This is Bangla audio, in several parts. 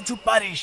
কিছু পারিস।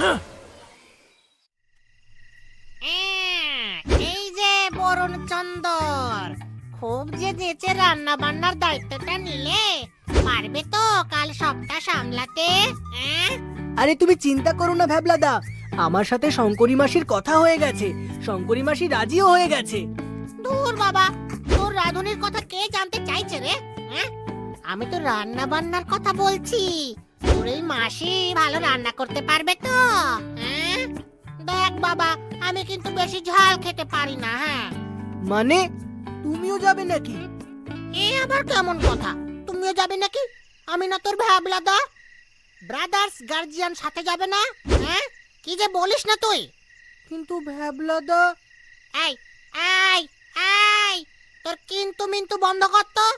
এই যে বরুণ চন্দর, খুব যে নেচে রান্না বান্নার দায়িত্বটা নিলে, পারবে তো কাল সবটা সামলাতে? আরে তুমি চিন্তা করো না ভ্যাবলাদা, আমার সাথে শঙ্করী মাসির কথা হয়ে গেছে, শঙ্করী মাসি রাজিও হয়ে গেছে। দূর বাবা, তোর রাঁধুনির কথা কে জানতে চাইছে রে? আমি তো রান্না বান্নার কথা বলছি। তোর এই মাসি ভালো রান্না করতে পারবে তো? দেখ বাবা, আমি কিন্তু বেশি ঝাল খেতে পারি না। মানে তুমিও যাবে নাকি? এ আবার কেমন কথা, তুমিও যাবে নাকি? আমি না তোর ভ্যাবলাদা? ব্রাদার্স গার্জিয়ান সাথে যাবে না? কি যে বলিস না তুই? কিন্তু ভ্যাবলাদা। এই এই এই, তোর কিন্তু মিন্তু বন্ধ কর তো।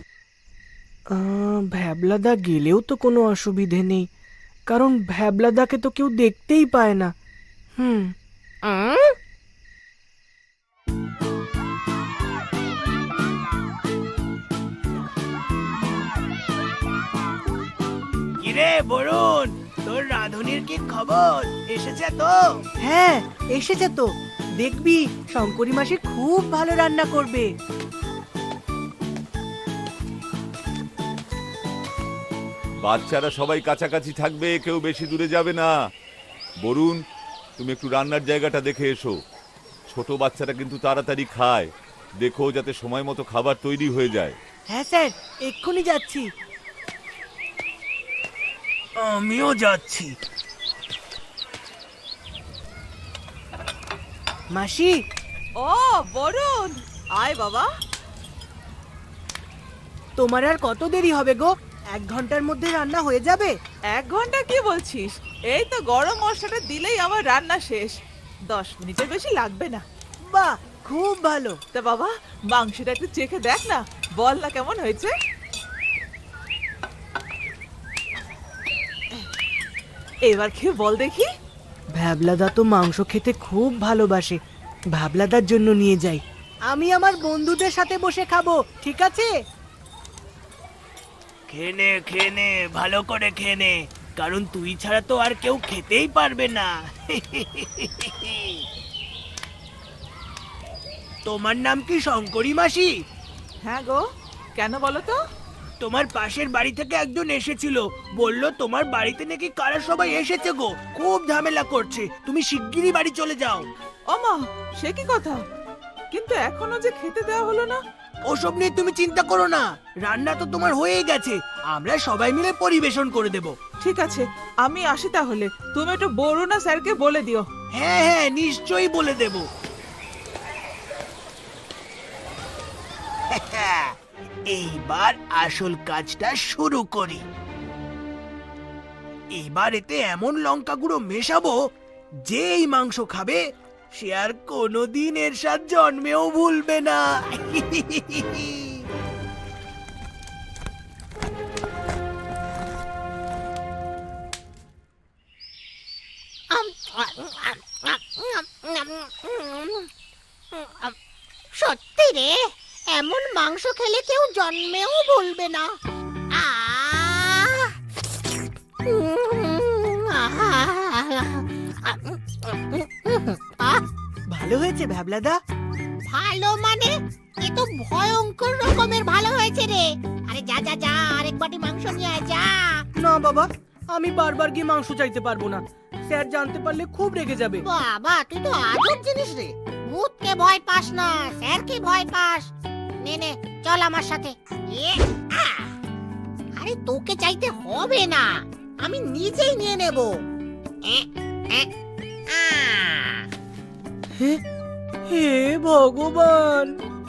ভ্যাবলাদা গেলেও তো কোনো অসুবিধে নেই, কারণ ভ্যাবলাদাকে তো কেউ দেখতেই পায় না। কিরে বরুণ, তোর রাঁধুনির কি খবর? এসেছে তো? হ্যাঁ এসেছে তো, দেখবি শঙ্করী মাসি খুব ভালো রান্না করবে। বাচ্চারা সবাই কাছাকাছি থাকবে, কেউ বেশি দূরে যাবে না। বরুণ, তুমি একটু রান্নার জায়গাটা দেখে এসো। ছোট বাচ্চারা কিন্তু তাড়াতাড়ি খায়, দেখো যাতে সময় মতো খাবার তৈরি হয়ে যায়। হ্যাঁ স্যার, এক্ষুনি যাচ্ছি। আমিও যাচ্ছি। মাসি। ও বরুণ, আয় বাবা। তোমার আর কত দেরি হবে গো? 1 ঘন্টার মধ্যে রান্না হয়ে যাবে? 1 ঘন্টা কি বলছিস? এই তো গরম মশলাটা দিলেই আমার রান্না শেষ। 10 মিনিটের বেশি লাগবে না। বাহ, খুব ভালো। তা বাবা, মাংসটা একটু চেখে দেখ না, বল না কেমন হয়েছে। এবার খেয়ে বল দেখি। ভ্যাবলাদা তো মাংস খেতে খুব ভালোবাসে, ভ্যাবলাদার জন্য নিয়ে যাই। আমি আমার বন্ধুদের সাথে বসে খাবো, ঠিক আছে? খেনে খেনে ভালো করে খেনে, কারণ তুই ছাড়া তো আর কেউ খেতেই পারবে না। তোমার নাম কি শঙ্করী মাসি? হ্যাঁ গো, কেন বলো তো? তোমার পাশের বাড়ি থেকে একজন এসেছিল, বলল তোমার বাড়িতে নাকি কারা সবাই এসেছে গো, খুব ঝামেলা করছে, তুমি শিগগিরই বাড়ি চলে যাও। ওমা, সে কি কথা? কিন্তু এখনো যে খেতে দেওয়া হলো না। ওসব নিয়ে তুমি চিন্তা করো না, রান্না তো তোমার হয়ে গেছে, আমরা সবাই মিলে পরিবেশন করে দেব। ঠিক আছে, আমি আসি তাহলে। তুমি একটু বরুণ স্যারকে বলে দিও। হ্যাঁ হ্যাঁ, নিশ্চয়ই বলে দেব। এইবার আসল কাজটা শুরু করি। এবার এতে এমন লঙ্কা গুঁড়ো মেশাবো, যে এই মাংস খাবে সে আর কোনোদিন এর স্বাদ জন্মেও ভুলবে না। সত্যি রে, এমন মাংস খেলে কেউ জন্মেও ভুলবে না। ভালো হয়েছে ভ্যাবলাদা? ভালো মানে, এ তো ভয়ঙ্কর রকমের ভালো হয়েছে রে। আরে যা যা যা, আরেক বাটি মাংস নিয়ে আয়, যা। না বাবা, আমি বারবার গিয়ে মাংস চাইতে পারবো না, স্যার জানতে পারলে খুব রেগে যাবে। বাবা, তুই তো আজব জিনিস রে। ভূতকে ভয় পাস না, স্যারকে ভয় পাস। নে নে, চল আমার সাথে। আরে তোকে চাইতে হবে না, আমি নিজেই নিয়ে নেব। হে ভগবান!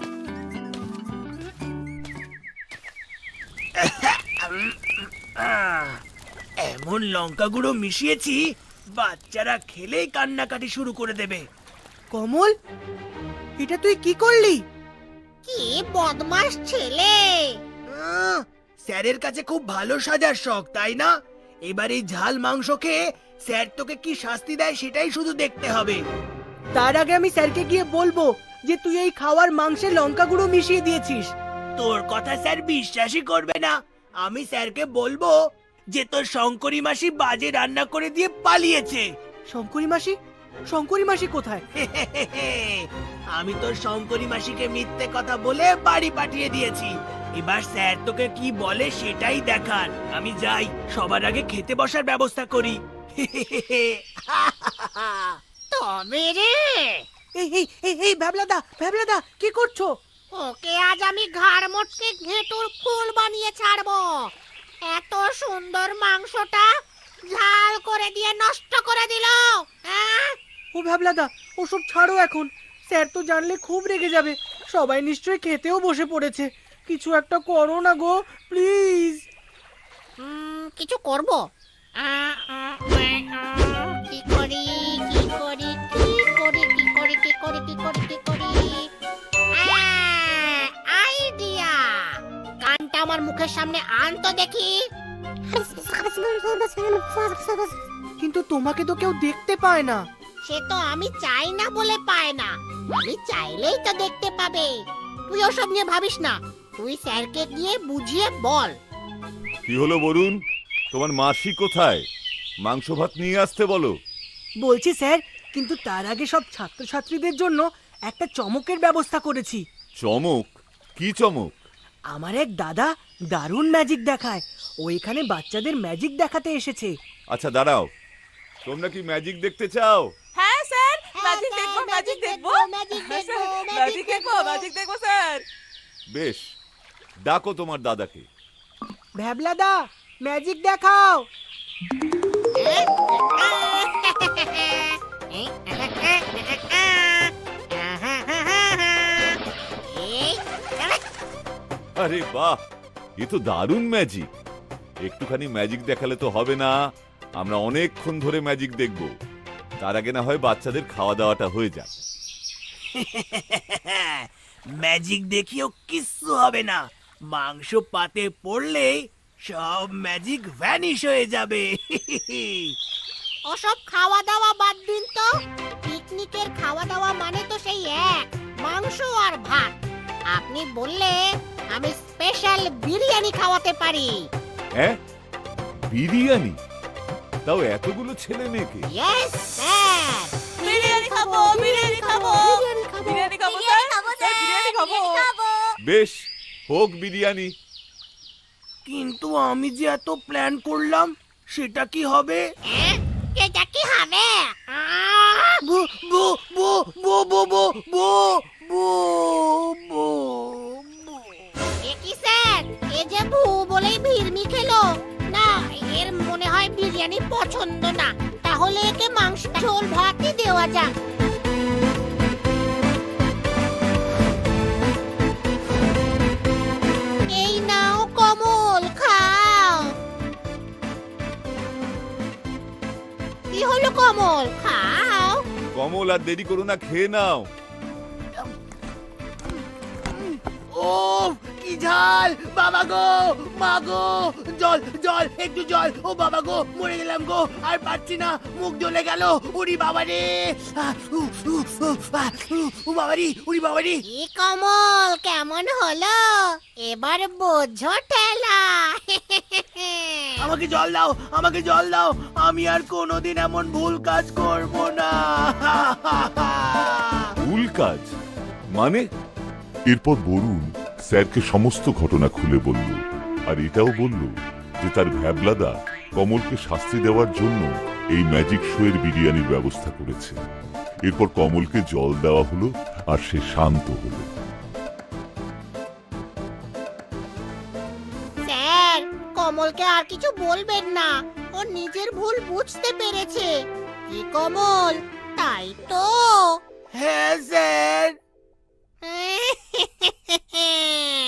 এমন লঙ্কা গুঁড়ো মিশিয়েছি, বাচ্চারা খেলেই কান্নাকাটি শুরু করে দেবে। কমল, এটা তুই কি করলি? কি বদমাশ ছেলে! স্যারের কাছে খুব ভালো সাজার শখ, তাই না? এবার এই ঝাল মাংস খেয়ে স্যার তোকে কি শাস্তি দেয় সেটাই শুধু দেখতে হবে। তার আগে আমি স্যারকে গিয়ে বলবো যে তুই এই খাওয়ার মাংসে লঙ্কা গুঁড়ো মিশিয়ে দিয়েছিস। তোর কথা স্যার বিশ্বাসই করবে না। আমি স্যারকে বলবো যে তোর শঙ্করী মাসি বাজে রান্না করে দিয়ে পালিয়েছে। শঙ্করী মাসি কোথায়? আমি তোর শঙ্করী মাসিকে মিথ্যে কথা বলে বাড়ি পাঠিয়ে দিয়েছি। এবার স্যার তোকে কি বলে সেটাই দেখার। আমি যাই, সবার আগে খেতে বসার ব্যবস্থা করি। তবে রে, এই ভ্যাবলাদা কি করছো? ওকে আজ আমি ঘাড় মোটকে ঘেঁটুর ফুল বানিয়ে ছাড়বো। এত সুন্দর মাংসটা ঝাল করে দিয়ে নষ্ট করে দিল। হ্যাঁ, ও ভ্যাবলাদা, ওসব ছাড়ো এখন। স্যার তো জানলে খুব রেগে যাবে। সবাই নিশ্চয়ই খেতেও বসে পড়েছে। কিছু একটা করো না গো, প্লিজ। কিছু করব। কি করি কি করি কি করি কি করি কি করি কি করি কি করি, আইডিয়া! কানটা আমার মুখের সামনে আন তো দেখি। কিন্তু তোমাকে তো কেউ দেখতে পায় না। সে তো আমি চাই না বলে পায় না, আমি চাইলেই তো দেখতে পাবে। তুই ওসব নিয়ে ভাবিস না, তুই স্যারকে গিয়ে বুঝিয়ে বল। কি হলো বরুণ, তোমার মাসি কোথায়? মাংস ভাত নিয়ে আসতে বলো। বলছি স্যার, কিন্তু তার আগে সব ছাত্রছাত্রীদের জন্য একটা চমকের ব্যবস্থা করেছি। চমক? কি চমক? আমার এক দাদা দারুণ ম্যাজিক দেখায়। ও এখানে বাচ্চাদের ম্যাজিক দেখাতে এসেছে। আচ্ছা দাঁড়াও, তোমরা কি ম্যাজিক দেখতে চাও? হ্যাঁ স্যার, ম্যাজিক স্যার, দেখবো, ম্যাজিক দেখবো, ম্যাজিক হ্যাঁ, দেখবো, স্যার, ম্যাজিক ম্যাজিক দেখবো, দেখবো। ম্যাজিক দেখবো স্যার। বেশ, ডাকো তোমার দাদাকে। ভ্যাবলাদা, ম্যাজিক দেখাও। আরে বাহ, এ তো দারুণ ম্যাজিক। একটুখানি ম্যাজিক দেখালে তো হবে না, আমরা অনেকক্ষণ ধরে ম্যাজিক দেখব। তার আগে না হয় বাচ্চাদের খাওয়া দাওয়াটা হয়ে যাক। ম্যাজিক দেখিও কিচ্ছু হবে না। মাংস পাতে পড়লেই সব ম্যাজিক ভ্যানিশ হয়ে যাবে। ওসব খাওয়া দাওয়া বাদ দিন তো। পিকনিকের খাওয়া দাওয়া মানে তো সেই এক, মাংস আর ভাত। আপনি বললে আমি স্পেশাল বিরিয়ানি খাওয়াতে পারি। হ্যাঁ, বিরিয়ানি? তাও এতগুলো ছেলে মেয়েকে? ইয়েস স্যার, বিরিয়ানি খাবো, বিরিয়ানি খাবো, বিরিয়ানি খাবো স্যার, স্যার বিরিয়ানি খাবো। বেশ, হোক বিরিয়ানি। কিন্তু আমি যে এত প্ল্যান করলাম, সেটা কি হবে? এটা কি হবে? বো বো বো বো বো বো বো বো বো বো। এ কি স্যার, এ যে ভু বলেই ভিড়মি খেলো না। এর মনে হয় বিরিয়ানি পছন্দ না। তাহলে একে মাংস ঝোল ভাতই দেওয়া যাক। এই নাও কমল, খাও। কি হলো কমল, খাও। কমল, আর দেরি করো না, খেয়ে নাও। ও কি ঝাল! বাবা গো, মা গো, জল জল, একটু জল। ও বাবা গো, মরে গেলাম গো, আর পাচ্ছি না, মুখ জ্বলে গেল। উড়ি বাবা রে, বাবারি, উড়ি বাবারি। কি কমল, কেমন হলো? এবার বোঝো ঠেলা। আমাকে জল দাও, আমাকে জল দাও। আমি আর কোনোদিন এমন ভুল কাজ করব না। ভুল কাজ মানে? এরপর বরুণ স্যারকে সমস্ত ঘটনা খুলে বলল, আর এটাও বলল যে তার ভ্যাবলাদা কমলকে শাস্তি দেওয়ার জন্য এই ম্যাজিক শো এর বিরিয়ানির ব্যবস্থা করেছে। এরপর কমলকে জল দেওয়া হলো আর সে শান্ত হলো। স্যার, কমলকে আর কিছু বলবেন না। ও নিজের ভুল বুঝতে পেরেছে। কি কমল, তাই তো? হ্যাঁ স্যার।